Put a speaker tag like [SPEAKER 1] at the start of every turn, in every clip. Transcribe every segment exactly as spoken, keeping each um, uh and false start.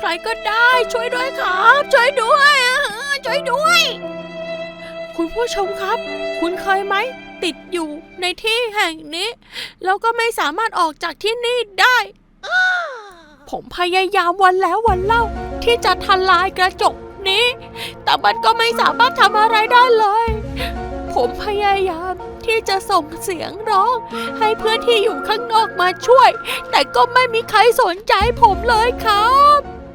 [SPEAKER 1] ใครก็ได้ช่วยด้วยครับช่วยด้วยช่วยด้วยคุณผู้ชมครับคุณเคยไหมติดอยู่ในที่แห่งนี้แล้วก็ไม่สามารถออกจากที่นี่ได้ผมพยายามวันแล้ววันเล่าที่จะทลายกระจกนี้แต่มันก็ไม่สามารถทำอะไรได้เลยผมพยายามที่จะส่งเสียงร้องให้เพื่อนที่อยู่ข้างนอกมาช่วยแต่ก็ไม่มีใครสนใจผมเลยครับ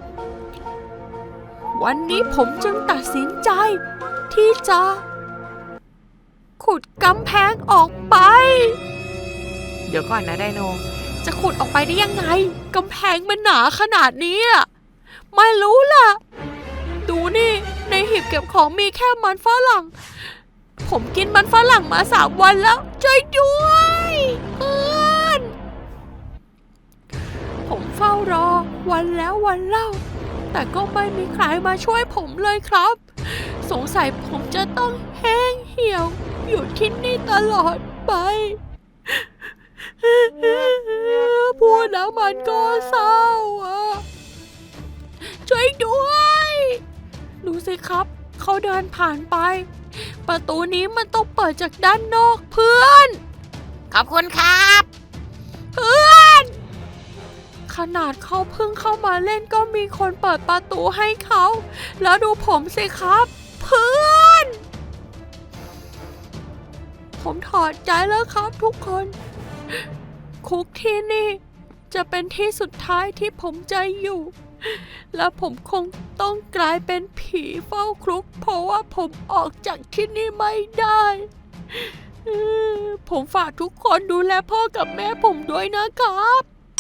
[SPEAKER 1] วันนี้ผมจึงตัดสินใจที่จะขุดกำแพงออกไปเดี๋ยวก่อนนะไดโนจะขุดออกไปได้ยังไงกำแพงมันหนาขนาดนี้ไม่รู้ล่ะดูนี่ในหีบเก็บของมีแค่มันฝรั่งผมกินมันฝรั่งมาสามวันแล้วช่วยด้วยเพื่อนผมเฝ้ารอวันแล้ววันเล่าแต่ก็ไม่มีใครมาช่วยผมเลยครับสงสัยผมจะต้องแห้งเหี่ยวอยู่ที่นี่ตลอดไปพูดแล้วมันก็เศร้าอ่ะช่วยด้วยดูสิครับเขาเดินผ่านไปประตูนี้มันต้องเปิดจากด้านนอกเพื่อนขอบคุณครับเพื่อนขนาดเขาเพิ่งเข้ามาเล่นก็มีคนเปิดประตูให้เขาแล้วดูผมสิครับเพื่อนผมถอดใจแล้วครับทุกคนคุกที่นี่จะเป็นที่สุดท้ายที่ผมจะอยู่และผมคงต้องกลายเป็นผีเฝ้าคุกเพราะว่าผมออกจากที่นี่ไม่ได้ผมฝากทุกคนดูแลพ่อกับแม่ผมด้วยนะครับ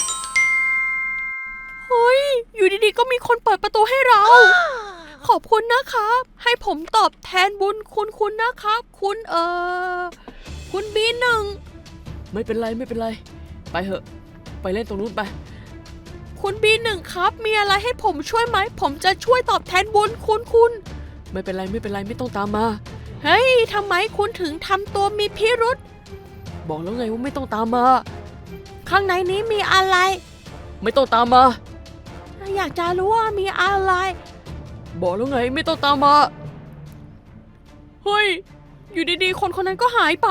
[SPEAKER 1] เฮ้ยอยู่ดีๆก็มีคนเปิดประตูให้เราขอบคุณนะครับให้ผมตอบแทนบุญคุณคุณนะครับคุณเออคุณบีหนึ่ง
[SPEAKER 2] ไม่เป็นไรไม่เป็นไรไปเถอะไปเล่นตรงนู้นไป
[SPEAKER 1] คุณบีหนึ่งครับมีอะไรให้ผมช่วยไหมผมจะช่วยตอบแทนบุญคุณคุณ
[SPEAKER 2] ไม่เป็นไรไม่เป็นไรไม่ต้องตามมา
[SPEAKER 1] เฮ้ยทำไมคุณถึงทำตัวมีพิรุธ
[SPEAKER 2] บอกแล้วไงว่าไม่ต้องตามมา
[SPEAKER 1] ข้างในนี้มีอะไร
[SPEAKER 2] ไม่ต้องตามมา
[SPEAKER 1] อยากจะรู้ว่ามีอะไร
[SPEAKER 2] บอกแล้วไงไม่ต้องตามมาเฮ้ยอยู่ดีๆคนคนนั้นก็หายไป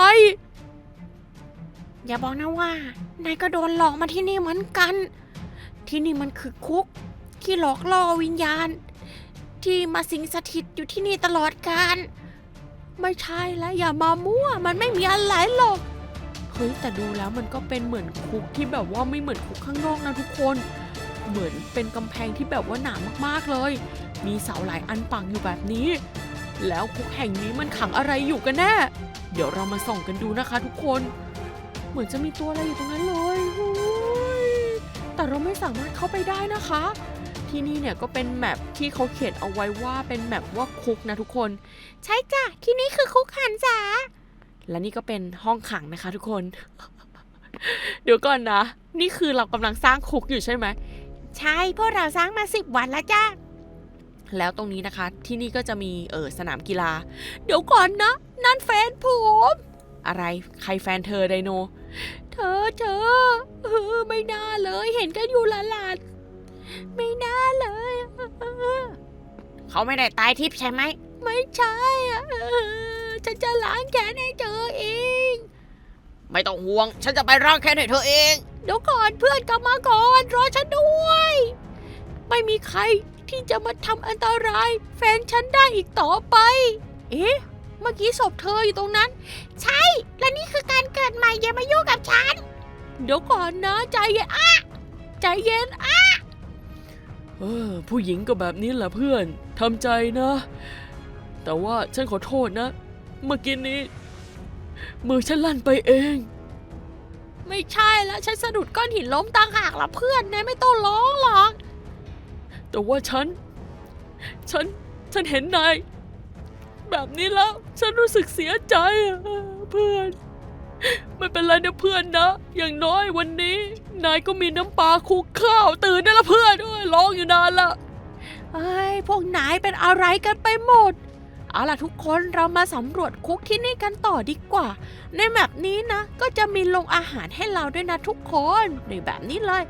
[SPEAKER 1] อย่าบอกนะว่านายก็โดนหลอกมาที่นี่เหมือนกันที่นี่มันคือคุกที่หลอกล่อวิญญาณที่มาสิงสถิตอยู่ที่นี่ตลอดกาลไม่ใช่แล้วอย่ามามั่วมันไม่มีอะไรหรอกเฮ้ยแต่ดูแล้วมันก็เป็นเหมือนคุกที่แบบว่าไม่เหมือนคุกข้างนอกนะทุกคนเหมือนเป็นกำแพงที่แบบว่าหนามากๆเลยมีเสาหลายอันปักอยู่แบบนี้แล้วคุกแห่งนี้มันขังอะไรอยู่กันแน่เดี๋ยวเรามาส่องกันดูนะคะทุกคนเหมือนจะมีตัวอะไรอยู่ตรงนั้นเลยแต่เราไม่สามารถเข้าไปได้นะคะที่นี่เนี่ยก็เป็นแมปที่เขาเขียนเอาไว้ว่าเป็นแมปว่าคุกนะทุกคนใช่จ้ะที่นี่คือคุกหันษาและนี่ก็เป็นห้องขังนะคะทุกคน เดี๋ยวก่อนนะนี่คือเรากำลังสร้างคุกอยู่ใช่ไหมใช่พวกเราสร้างมาสิบวันแล้วจ้ะแล้วตรงนี้นะคะที่นี่ก็จะมีเออสนามกีฬาเดี๋ยวก่อนนะนั่นแฟนผมอะไรใครแฟนเธอไดโนเธอเธอเออไม่น่าเลยเห็นกันอยู่ละลานไม่น่าเลยเขาไม่ได้ตายทิพย์ใช่ไหมไม่ใช่อ่ะฉันจะล้างแค้นให้เธอเอง
[SPEAKER 2] ไม่ต้องห่วงฉันจะไปล้างแค้นให้เธอเอง
[SPEAKER 1] เดี๋ยวก่อนเพื่อนกลับมาก่อนรอฉันด้วยไม่มีใครที่จะมาทำอันตรายแฟนฉันได้อีกต่อไปเอ๊ะเมื่อกี้ศพเธออยู่ตรงนั้นใช่และนี่คือการเกิดใหม่อย่ามายุ่งกับฉันเดี๋ยวก่อนนะใจเย็นอ่ะใจเย็นอ่ะ
[SPEAKER 2] เออผู้หญิงก็แบบนี้แหละเพื่อนทำใจนะแต่ว่าฉันขอโทษนะเมื่อกี้นี้มือฉันลั่นไปเอง
[SPEAKER 1] ไม่ใช่แล้วฉันสะดุดก้อนหินล้มต่างหากล่ะเพื่อนนายไม่ต้องร้องหรอก
[SPEAKER 2] แต่ว่าฉันฉันฉันเห็นนายแบบนี้แล้วฉันรู้สึกเสียใจเพื่อนไม่เป็นไรนะเพื่อนนะอย่างน้อยวันนี้นายก็มีน้ำปลาคลุกข้าวตื่นได้ละเพื่อนด้วยร้องอยู่นานละ
[SPEAKER 1] ไอ้พวกนายเป็นอะไรกันไปหมดเอาล่ะทุกคนเรามาสำรวจคุกที่นี่กันต่อดีกว่าในแมปนี้นะก็จะมีโรงอาหารให้เราด้วยนะทุกคนในแบบนี้เลย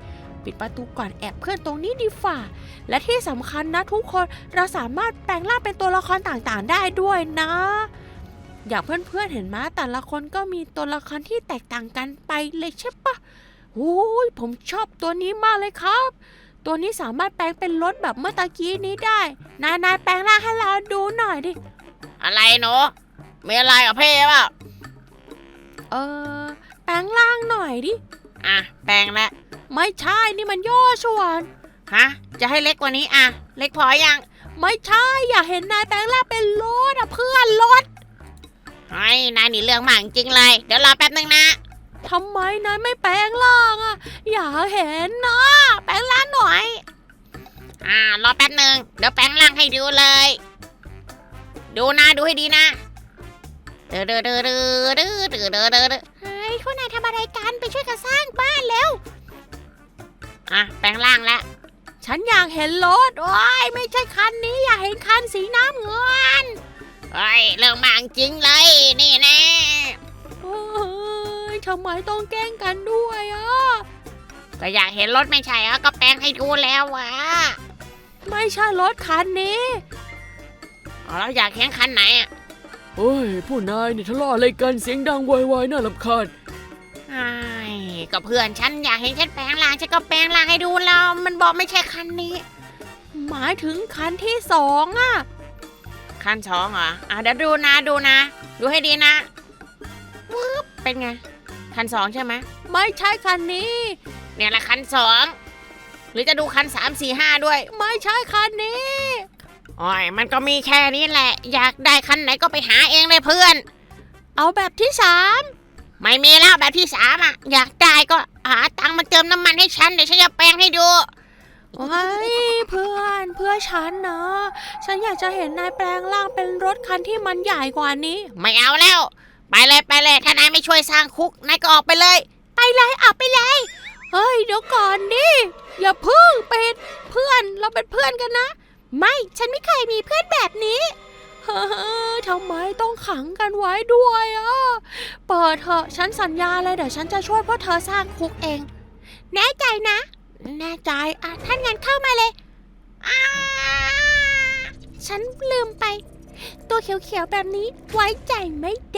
[SPEAKER 1] ปิดประตูก่อนแอบเพื่อนตรงนี้ดีฝ่าและที่สำคัญนะทุกคนเราสามารถแปลงร่างเป็นตัวละครต่างๆได้ด้วยนะอย่างเพื่อนๆเห็นไหมแต่ละคนก็มีตัวละครที่แตกต่างกันไปเลยใช่ปะโอ้ยผมชอบตัวนี้มากเลยครับ ตัวนี้สามารถแปลงเป็นรถแบบเมื่อตะกี้นี้ได้นายนายแปลงร่างให้เราดูหน่อยดิ
[SPEAKER 3] อะไรหนูมีอะไรกับพี่เปล่า
[SPEAKER 1] เออแปลงร่างหน่อยดิ
[SPEAKER 3] อ่ะแปลงแล้ว
[SPEAKER 1] ไม่ใช่นี่มันย่อส่วน
[SPEAKER 3] ฮะจะให้เล็กกว่านี้อ่ะเล็กพอยัง
[SPEAKER 1] ไม่ใช่อย่าเห็นนายแปลงร่างเป็นรถอะเพื่อนรถ
[SPEAKER 3] ไอ้ยนายนี่เรื่องมากจริงเลยเดี๋ยวรอแป๊บนึงนะ
[SPEAKER 1] ทำไมนายไม่แปลงร่างอะอย่าเห็นนะแปลงร่างหน่อย
[SPEAKER 3] อ่ารอแป๊บนึงเดี๋ยวแปลงร่างให้ดูเลย ดูนะดูให้ดีนะเดือดเดือดเดือดเดือดเดือดเดือดเดือดเดือด
[SPEAKER 1] เฮ้ยพวกนายทำอะไรกันไปช่วยกันสร้างบ้านแล้ว
[SPEAKER 3] อ่ะแปลงร่างแล้ว
[SPEAKER 1] ฉันอยากเห็นรถโอ้ยไม่ใช่คันนี้อยากเห็นคันสีน้ำเงิน
[SPEAKER 3] เฮ้ยเรื่องมากจริงเลยนี่แน่
[SPEAKER 1] เฮ้ยทำไมต้องแกล้งกันด้วยอ่ะ
[SPEAKER 3] ก็อยากเห็นรถไม่ใช่เหรอก็แปลงให้ดูแล้ววะ
[SPEAKER 1] ไม่ใช่รถคันนี้
[SPEAKER 3] อ๋อแล้วอยากเห็นคันไหนอ่ะ
[SPEAKER 2] โอ้ยผู้นายนี่ทะเลาะอะไรกันเสียงดังโวยวายน่ารำคาญ
[SPEAKER 3] ไอ้ก็เพื่อนฉันอยากเห็นฉันแปลงร่างฉันก็แปลงร่างให้ดูแล้วมันบอกไม่ใช่คันนี้
[SPEAKER 1] หมายถึงคันที่สองอ่ะ
[SPEAKER 3] คันสองเหรออ่ะเดี๋ยวดูนะดูนะ ดูให้ดีนะวึบเป็นไง คันสองใช่ไหม
[SPEAKER 1] ไม่ใช่คันนี้
[SPEAKER 3] เนี่ยแหละคันสองหรือจะดูคันสามสี่ห้าด้วย
[SPEAKER 1] ไม่ใช่คันนี้
[SPEAKER 3] โอ้ยมันก็มีแค่นี้แหละ อยากได้คันไหนก็ไปหาเองเลยเพื่อน
[SPEAKER 1] เอาแบบที่สาม
[SPEAKER 3] ไม่มีแล้วแบบที่สามอ่ะ อยากได้ก็หาตังค์มาเติมน้ำมันให้ฉันเดี๋ยวฉันจะแปลงให้ดู
[SPEAKER 1] โอ้ยเพื่อนเพื่อฉันนะ ฉันอยากจะเห็นนายแปลงร่างเป็นรถคันที่มันใหญ่กว่านี้
[SPEAKER 3] ไม่เอาแล้ว ไปเลยไปเลยถ้านายไม่ช่วยสร้างคุกนายก็ออกไปเลย
[SPEAKER 1] ไปเลยออกไปเลย เฮ้ยเดี๋ยวก่อนดิ อย่าพึ่งเป็นเพื่อนเราเป็นเพื่อนกันนะ ไม่ฉันไม่เคยมีเพื่อนแบบนี้ เฮ้ยทำไมต้องขังกันไว้ด้วยอ่ะ เปิดเถอะฉันสัญญาเลยเดี๋ยวฉันจะช่วยพวกเธอสร้างคุกเอง แน่ใจนะ แน่ใจอ่ะท่านงั้นเข้ามาเลยอ่าฉันลืมไป ตัวเขียวๆแบบนี้ไว้ใจไม่ได้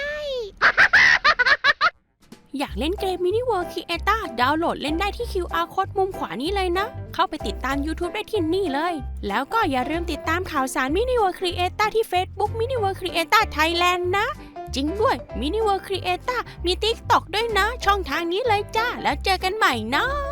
[SPEAKER 1] อยากเล่นเกม Mini World Creator ดาวน์โหลดเล่นได้ที่ คิว อาร์ Code มุมขวานี้เลยนะ เข้าไปติดตาม YouTube ได้ที่นี่เลย แล้วก็อย่าลืมติดตามข่าวสาร Mini World Creator ที่ Facebook Mini World Creator Thailand นะ จริงด้วย Mini World Creator มี TikTok ด้วยนะ ช่องทางนี้เลยจ้า แล้วเจอกันใหม่นะ